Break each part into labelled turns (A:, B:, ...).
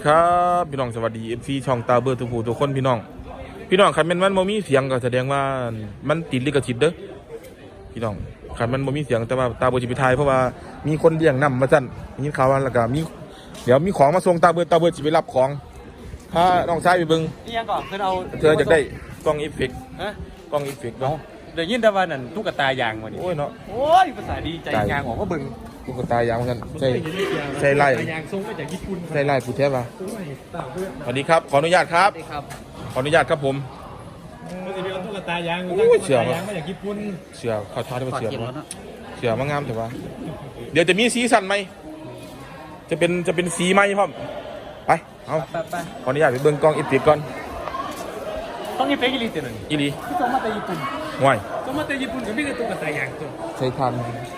A: ครับพี่น้องสวัสดี FC ช่องตาเบอร์ทุกผู้ทุกคนพี่น้องคันมันบ่มีเสียงก็แสดงว่ามันติดลิขสิทธิ์เด้อพี่น้องคันมันบ่มีเสียงแต่ว่าตาเบอร์สิไปถ่ายเพราะว่ามีคนเลี้ยงนำมาสั่นมีข่าวว่าแล้วก็มีเดี๋ยวมีของมาส่งตาเบอร์สิไปรับของพาน้องชายไปเบิ่ง
B: นี่ยังก่อนคือเอา
A: เธออยากได้กล้องอีเฟกต์
B: ฮะ
A: กล้องอีเฟกต์เนาะ
B: เดี๋ยวยินแต่ว่านั่นตุ๊กตายางมาดิ
A: โอ้ยเนาะ
B: โอ้ยภาษาดีใจยางออกก็บึง
A: ตุ๊กตายางว่าซั่นใส่ไล่
B: ยางทรงมาจากญี่ปุ่น
A: ใส่ไล่ผู้แท้ป่ะ
B: โอ้ยต่างเพื่อน
A: สวัสดีครับขออนุญาตครับ
B: สวัสดีครับ
A: ขออนุญาตครับผม
B: มันจะเป็นตุ๊กตายาง
A: โอ้ยเชื่อปะ
B: ยางมาจากญี่ปุ่น
A: เสือเขาทาได้เป็นเสือบ่เสือมางามแต่ว่าเดี๋ยวจะมีสีสันไหมจะเป็นสีไหมพ่อมไปเอา
B: ไป
A: ขออนุญาตไปเบิ่งกล้องอีเฟกต์ก่อน
B: ต้องมีเฟกอีลิตหนึ่ง
A: อีหลี
B: ที่ส่งมาจากญี่ปุ่น
A: ห่วย
B: ส่งมาจากญี่ปุ่นก็ไม่ใช่ตุ๊กตายางตัว
A: ใช้ทัน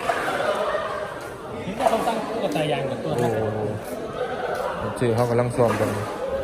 B: เห็นว่าเขาตั้งตุ๊กตายางกับตัว
A: โอ้เจอเขากำลังซ้อมกัน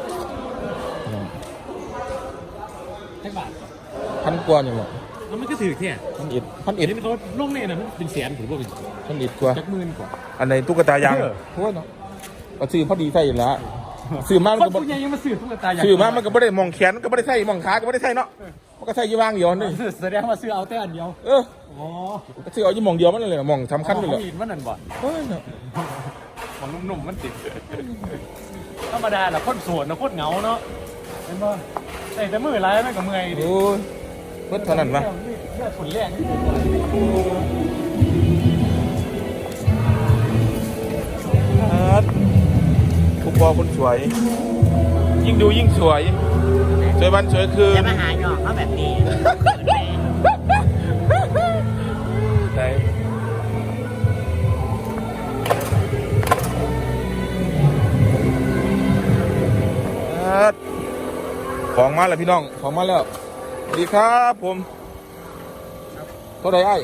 B: แท็กบาท
A: พันกว่านี่หมด
B: แล้วมันก็ถือแค่
A: พันเอ็ด
B: เห็นเขาลงเนี่ยนะมันเป็นแสนถือว่าเป็น
A: พันเอ็ดกว่า
B: จักหมื่นกว่า
A: อันไหนตุ๊กตายางโอ้ยเนาะก็ซื้อพอดีใส่อยู่แล้วซื้อมามัน
B: คน
A: ก็บ่
B: ผู้ใหญ่ยังมาซื้อตุ๊กตายาง
A: ซื้อมามันก็ไม่ได้มองแขนก็ไม่ได้ใส่มองขาก็ไม่ได้ใส่เนาะมันก็ใส่ยี่วางเดียวนี่
B: แสดงว่าซื้อเอาแต่อันเดียว
A: เออ
B: อ๋อ
A: ก็ซื้อเอายี่มองเดียวมันเลยมองสำคัญเลย
B: เขาหินมันนั่นบ่
A: เฮ้ยเนาะ
B: ของนุ่มๆมันติดธรรมดาแหละโคตรสวนนะโคตรเหงาเนาะเห็นป่ะใส่แต่มือไรแม่งกับมือไอ้ดิ
A: โอ้ยเพิ่นเท่านั้นวะ
B: เลือดฝุ่นแรกนี่
A: ทุกบอคนสวย ยิ่งดูยิ่งสวยสวยวันสวยคืน
C: จะมาหาหยอกเขาแบบนี้
A: ไหนของมาแล้วพี่น้องของมาแล้วสวัสดีครับผมเท่าไหร่ไอ้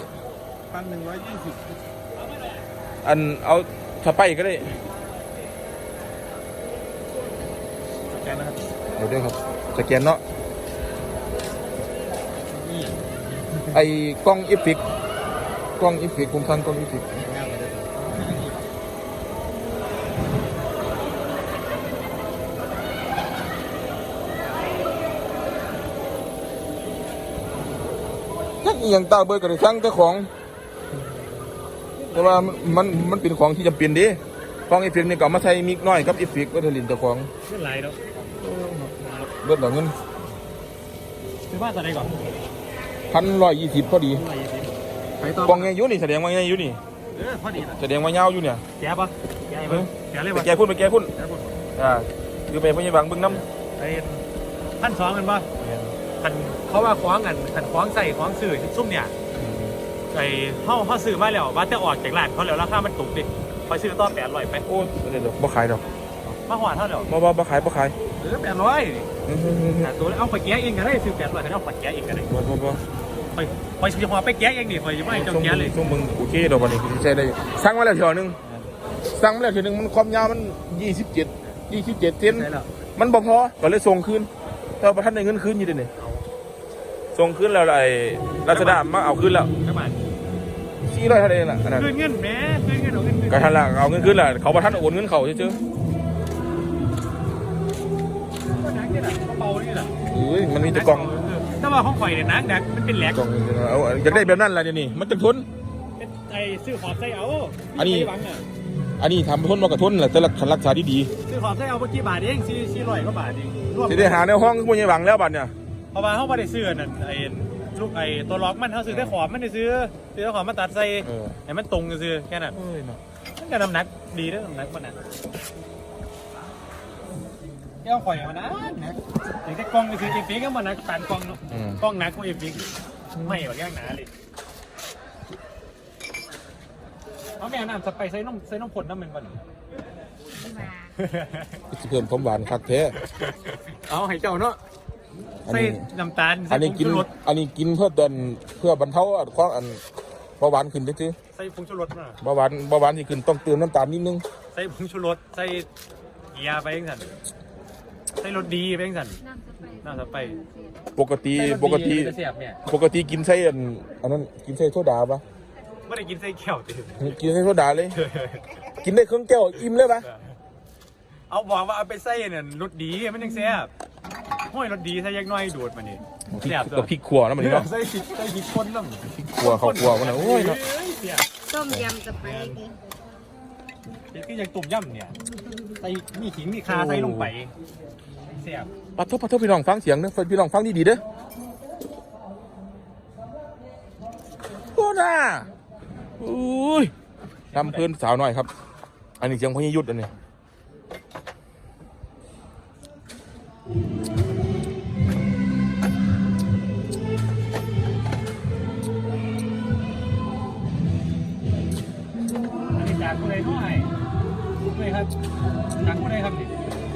B: 1,120
A: อันเอาสไปก็ได้
B: แกนะครับ
A: เดี๋ยวด้วยครับสแกนเนาะไอ้กล้องอีฟิกผมทันกล้องอีฟิกทักอหย่างตาเบิดก็ได้สั่งแต่ของ แต่ว่ามันเป็นของที่จำเป็นดิกล้องอีฟิกนี่ก็เอามาใช้มิกน้อยกับอีฟิกก็เทลินแต่ของ
B: เงินไหลเนาะ
A: เบิดดอกเงิน
B: ซื้อบ้านตอนไหนก่อน
A: 1,120พอดี
B: 1,120ไปต่อก
A: ล้องไงอยู่นี่แสดงว่าไงอยู่นี่
B: พอดีนะ
A: แสดงว่ายาวอยู่เนี่ย
B: แกปะแกปะแกเลย
A: ไป
B: ปะ
A: แก้พุ่น
B: แกปะ
A: คือไปพยาบาลเบิ่งน้
B: ไอ้1,200กันปะขันเขาว่าคว้างกันขันคว้างใส่คว้างสื่อซุ่มเนี่ย
A: ำ
B: ไอ้เขาซื้อมาแล้วว่าจะออกจากร้านเขาแล้วราคามันถูกดิคอยซื้อต่อ800ไป
A: โอ้ยเดี๋ยวบ่ขายดอก
B: มาหวานเท่าเดียว
A: บ่ขาย
B: 800ตัวเอาไปแก้เองก็ได้ซื้อ800ก็เอาไปแก้เองก็ได้
A: บ่
B: ไปเฉพาะไปแก้เองดิคอยจะไม่เจ้าแก้เลย
A: ช่วงมึงโอเคดอกบัดนี้ใช้ได้สั่งมาแล้วเที่ยวนึงมันความยาวมัน27เซน
B: ใช่แล้ว
A: มันบ่พอก็เลยส่งคืนแต่ว่าบ่ทันได้เงินคืนอยู่เด้นี่ส่งคืนแล้วไอ้ราชดามาเอาคืนแล้ว
B: ประมาณ
A: 400เท่าใดล่ะอันนั้น
B: คืนเงินแม่คืนเงินเอาเงินคืน
A: ก็ทันละเอาเงินคืนแล้วเขาบ่ทันโอนเงินเขาซื่อ
B: ก็นักนี่แหละเบานี่แหละ
A: ๆเอ้ยมันมีแต่กล่อง
B: แต่ว่าของข่อยเนี่ยนักมันเป็นแหลก
A: กล่องเอาอยากได้แบบนั้นล่ะเดี๋ยวนี้มันจะทน
B: ไอ้ซื้อขอบใส่เอา
A: อันนี้
B: หวังอ่ะ
A: อันนี้ทำทนมากระทนแหละแต่ละคันรักษาดี
B: ซื้อขอบใส่เอาเมื่อกี้บาทเอง400กว่าบาทเองรวม
A: ๆสิได้หาในห้องผู้ใหญ่หวังแล้วบัดเนี่ย
B: เพราะว่าเขาไม่ได้ซื้อนั่นไอ้ลูกไอ้ตัวล็อกมันเขาซื้อได้ขอบมันได้ซื้อได้ขอบมาตัดใส่ให้มันตรงกันซื้อแค่นั้น
A: เอ้ยเนาะ
B: มันก็น้ำหนักดีด้วยน้ำหนักมันนะแก้วข่อยมันนะถึงแต่กล้องก็คือเอฟเฟกต์ก็มันนักปานกล้องเนาะกล้องหนักกว่าเอฟเฟกต์ไม่แบบย่างหนาเลยเอาแม่น้ำสไปใส่น้ำผลน้ำมันก่อน
A: สิเพิ่มความหวานคักแท้
B: เอาให้เจ้าเนาะ
A: อัน
B: ใส่
A: นี้
B: น้ำตาล
A: อันนี้กิน
B: ใส่ผงชูรส
A: อันนี้กินเพื่อบรรเทาความเบาหวานขึ้นซื่อ
B: ใส่ผงชูรสมา
A: ๆเบาหวานที่ขึ้นต้องเติมน้ำตาลนิดนึง
B: ใส่ผงชูรสใส่เกียร์ไปเองสันใส่รสดีไปเองสันน้ำสไป
A: ปกติ
B: เสียบเนี่ย
A: ปกติกินใส่อันนั้นกินใส่โซดาปะ
B: ไม่ได้กินไส้เขียวตื่น
A: กินใส่โซดาเลย กินได้ครึ่งแก้วอิ่มเลยปะ
B: เอาบอกว่าเอาไปใส่เนี่ยรสดีมันยังแซ่บห้อยรสดีใส่ยักน้อยดูดมานี่
A: พริกกับพริกขั่วนะมันนี่เนาะ
B: ใส่พริกคนน้ำ
A: พริกขั่วข้าวขั่วมันนะโอ้ยเนาะ
B: เสีย
C: ต้มยำสไปซี่
B: คือยังตุ่มย่ำเนี่ยใส่มีขิงมีคาใส่ลงไปเสียบ
A: ปัดทุบพี่น้องฟังเสียงนะพี่น้องฟังดีๆเด้อโอ้น่าอุ้ยทำเพื่อนสาวหน่อยครับ อันนี้เสียงพญายุทธ์อันนี้
B: อันนี้จากผู้ใดน้อยด้วยครับจากผู้ใดครับนี่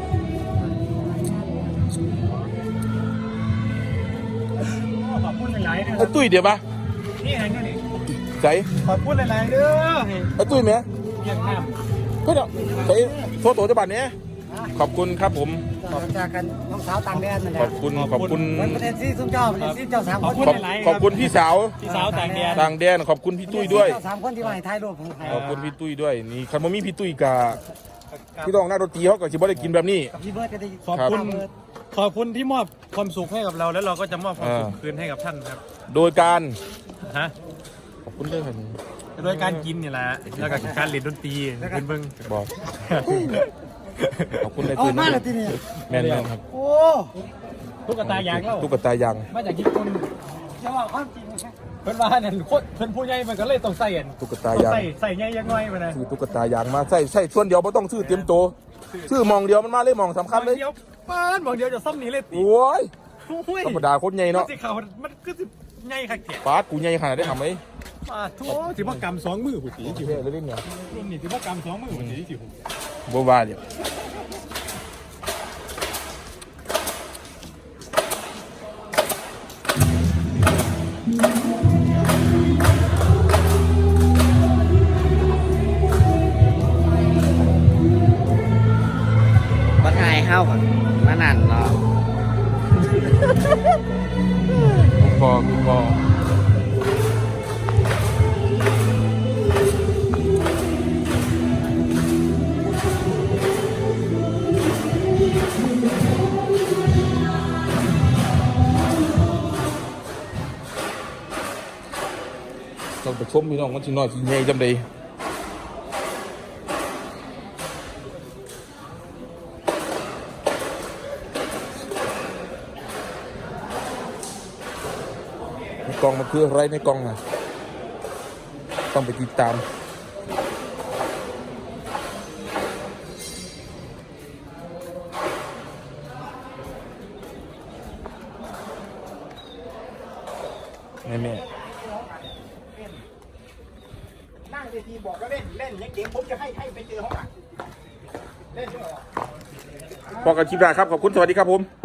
B: ขอบคุณหลายๆนะค
A: ไอ้
B: รับ
A: ตุ้ยเดี๋ยวปะ
B: นี่ไงนี่
A: ใส่
B: ขอบคุณหลายๆเด้อ
A: ไอ้ตุ้ยไหม
B: เยี่ยมมาก
A: เพื่อนใส่โทษตัวจะบัตรเนี้ยขอบคุณครับผม
D: ขอบจากกันน้องสาวต่างแดนนั่นแห
A: ข
D: ละ
A: อบคุณขอบคุณ
D: มันประเด็นที่ซุ้มเจ้าประเด็นที่เจ้าสาม
B: ข
D: ค
B: อบ
D: น
B: คุณ
A: ขอบ
B: หลายๆ
A: ขอบคุณพี่สาว
B: พี่สาวต่างแดน
A: ต่างแดนขอบคุณพี่ตุ้ยด้วย
D: เจ้าสามคนที่มาให้ถ่ายรูปผมให้
A: ขอบคุณพี่ตุ้ยด้วยนี่คันบ่มีพี่ตุ้ยกับพี่ต้องหน้าดนตรีเขาก็สิบ่ได้กินแบบนี้
D: กับพี่เบิร์ดก็ได้
B: ขอบคุณขอบคุณที่มอบความสุขให้กับเราแล้วเราก็จะมอบความสุขคืนให้กับท่านครับ
A: โดยการ
B: ฮะ
A: ขอบคุณเรื่องอะไร
B: โดยการกินนี่แหละแล้วก็การเล่นดนตรีเป็นเบิ่ง
A: บอกขอบคุณใน
D: เอา
A: ตื่น
D: มาเลยทีนี้
A: แม่นๆครับ
D: โอ้
B: ตุ๊กตายางเล่า
A: ตุ๊กตายาง
B: มาจากญี่ปุ่น
D: จะว่าความจริงนะ
B: เพิ่นว่าเนี่ยโคตรเพิ่นผู้ใหญ่มันก็เลยต้องใส่อัน
A: ตุ๊กตายาง
B: ใส่ใหญ่ยังน้อยมานะ
A: ซื้อตุ๊กตายางมาใส่ส่วนเดียวไม่ต้องซื้อเตรียมโตวซื้อมองเดียวมันมาเลยมองสำคัญเลย
B: เดียวป้านบอกเดียวจะซ่อมนี้เลยติ
A: โอ้ย
B: โอ้ย
A: ธรรมดาโคตรใหญ่
B: มัน
A: เนาะ
B: สิเขามันก็สิใหญ่คักแท้
A: ฟาดกูใหญ่ขนาดได้ทำไหม
B: ป้าโธ่สิบ่กำ2มือผู้ตีจิ๋ว
A: เท่เลยเนี่ย
B: รุ่นนี้สิบ่กำ2มือผู้ตีจิ๋ว
A: บัวาเนี่ย
D: บัดไงเข้าก่อนมานั่นเนาะ
A: พอพอต้องไปชมพี่น้องมันชิน้อยชิใหญ่จำได้ในกล่องมันคืออะไรในกล่องอ่ะต้องไปติดตามแม่
D: นั่งเวทีบอกก็เล่นเล่นยังเก่งผมจะให้ไปเจอห้องเล่นด้วย
A: พอกันคลิปแรกครับ ขอบคุณ สวัสดีครับผม